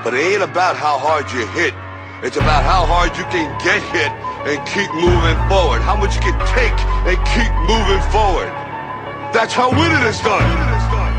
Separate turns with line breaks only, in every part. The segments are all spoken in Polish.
But it ain't about how hard you hit. It's about how hard you can get hit and keep moving forward. How much you can take and keep moving forward. That's how winning is done.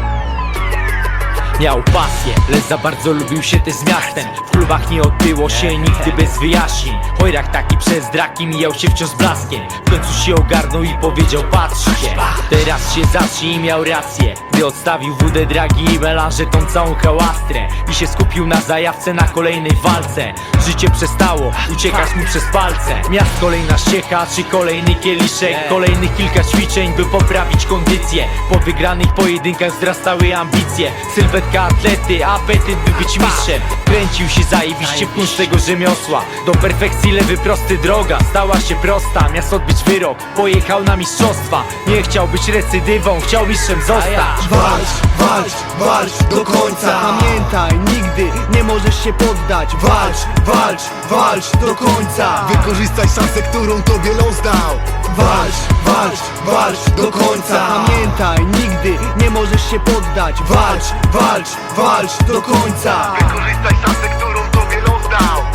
Miał pasję, lecz za bardzo lubił się też z miastem. W klubach nie odbyło się nigdy bez wyjaśnień. Chojrak taki przez draki mijał się wciąż z blaskiem. W końcu się ogarnął i powiedział: patrzcie, teraz się zacznie, i miał rację. Gdy odstawił wódę, dragi i melanże, tą całą hałastrę, i się skupił na zajawce, na kolejnej walce. Życie przestało uciekać mu przez palce. Miast kolejna ściecha, czy kolejny kieliszek. Kolejnych kilka ćwiczeń, by poprawić kondycję. Po wygranych pojedynkach wzrastały ambicje. Sylwetka atlety, apetyt by być mistrzem. Kręcił się zajebiście w kunst tego rzemiosła. Do perfekcji lewy prosty droga stała się prosta. Miast odbyć wyrok, pojechał na mistrzostwa. Nie chciał być recydywą, chciał mistrzem zostać.
Walcz, walcz, walcz do końca. Pamiętaj, nigdy nie możesz się poddać. Walcz, walcz, walcz do końca. Wykorzystaj szansę, którą tobie los dał. Walcz, walcz, walcz do końca. Pamiętaj, nigdy nie możesz się poddać. Walcz, walcz, walcz do końca. Wykorzystaj szansę, którą tobie los dał.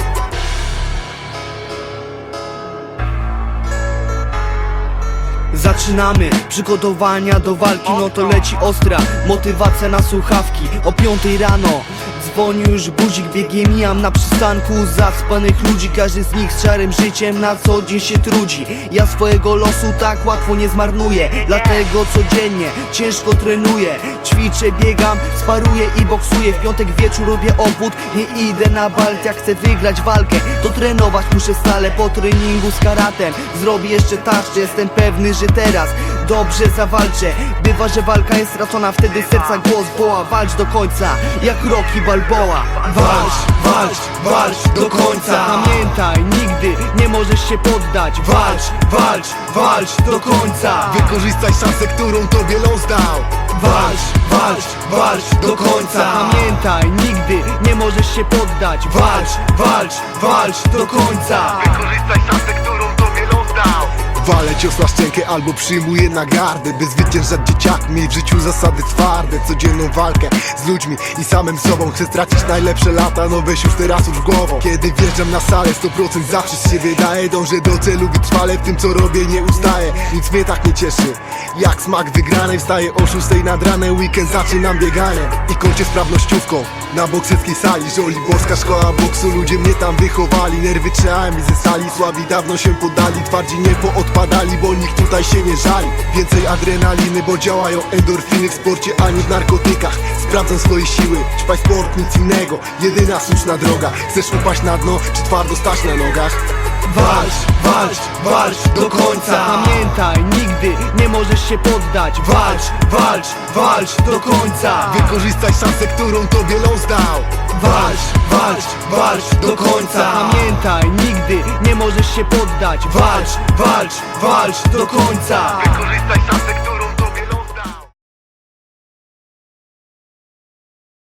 Zaczynamy przygotowania do walki, no to leci ostra motywacja na słuchawki. O 5 rano dzwoni już budzik, biegiem mijam na przystanku zaspanych ludzi. Każdy z nich z szarym życiem na co dzień się trudzi. Ja swojego losu tak łatwo nie zmarnuję, dlatego codziennie ciężko trenuję. Ćwiczę, biegam, sparuję i boksuję. W piątek wieczór robię obwód, nie idę na balt. Jak chcę wygrać walkę, to trenować muszę stale. Po treningu z karatem zrobię jeszcze tarczę. Jestem pewny, że teraz dobrze zawalczę. Bywa, że walka jest stracona, wtedy serca głos woła: walcz do końca, jak Rocky Balboa. Walcz, walcz, walcz do końca. Pamiętaj, nigdy nie możesz się poddać. Walcz, walcz, walcz do końca. Wykorzystaj szansę, którą tobie los dał. Walcz, walcz, walcz do końca. Pamiętaj, nigdy nie możesz się poddać. Walcz, walcz, walcz do końca. Wykorzystaj szansę, którą tobie los dał.
Walę cios na szczękę albo przyjmuję na gardę, by zwyciężać dzieciakmi, w życiu zasady twarde. Codzienną walkę z ludźmi i samym sobą. Chcę stracić najlepsze lata, no weź już teraz już głową. Kiedy wjeżdżam na salę, 100% zawsze z siebie daję. Dążę do celu wytrwale, w tym co robię nie ustaję. Nic mnie tak nie cieszy jak smak wygranej. Wstaję o 6 nad ranem, weekend zaczynam bieganie i kończę sprawnościówką na bokserskiej sali. Żoliborska szkoła boksu, ludzie mnie tam wychowali. Nerwy trzymałem i ze sali, słabi dawno się poddali. Twardzi nie poodpadali, bo nikt tutaj się nie żali. Więcej adrenaliny, bo działają endorfiny w sporcie, ani w narkotykach. Sprawdzam swoje siły, ćpaj sport, nic innego. Jedyna słuszna droga. Chcesz upaść na dno, czy twardo stać na nogach?
Walcz, walcz, walcz do końca. Pamiętaj, nigdy nie możesz się poddać. Walcz, walcz, walcz do końca. Wykorzystaj szansę, którą tobie los dał. Walcz, walcz, walcz do końca. Pamiętaj, nigdy nie możesz się poddać. Walcz, walcz, walcz do końca. Wykorzystaj szansę, którą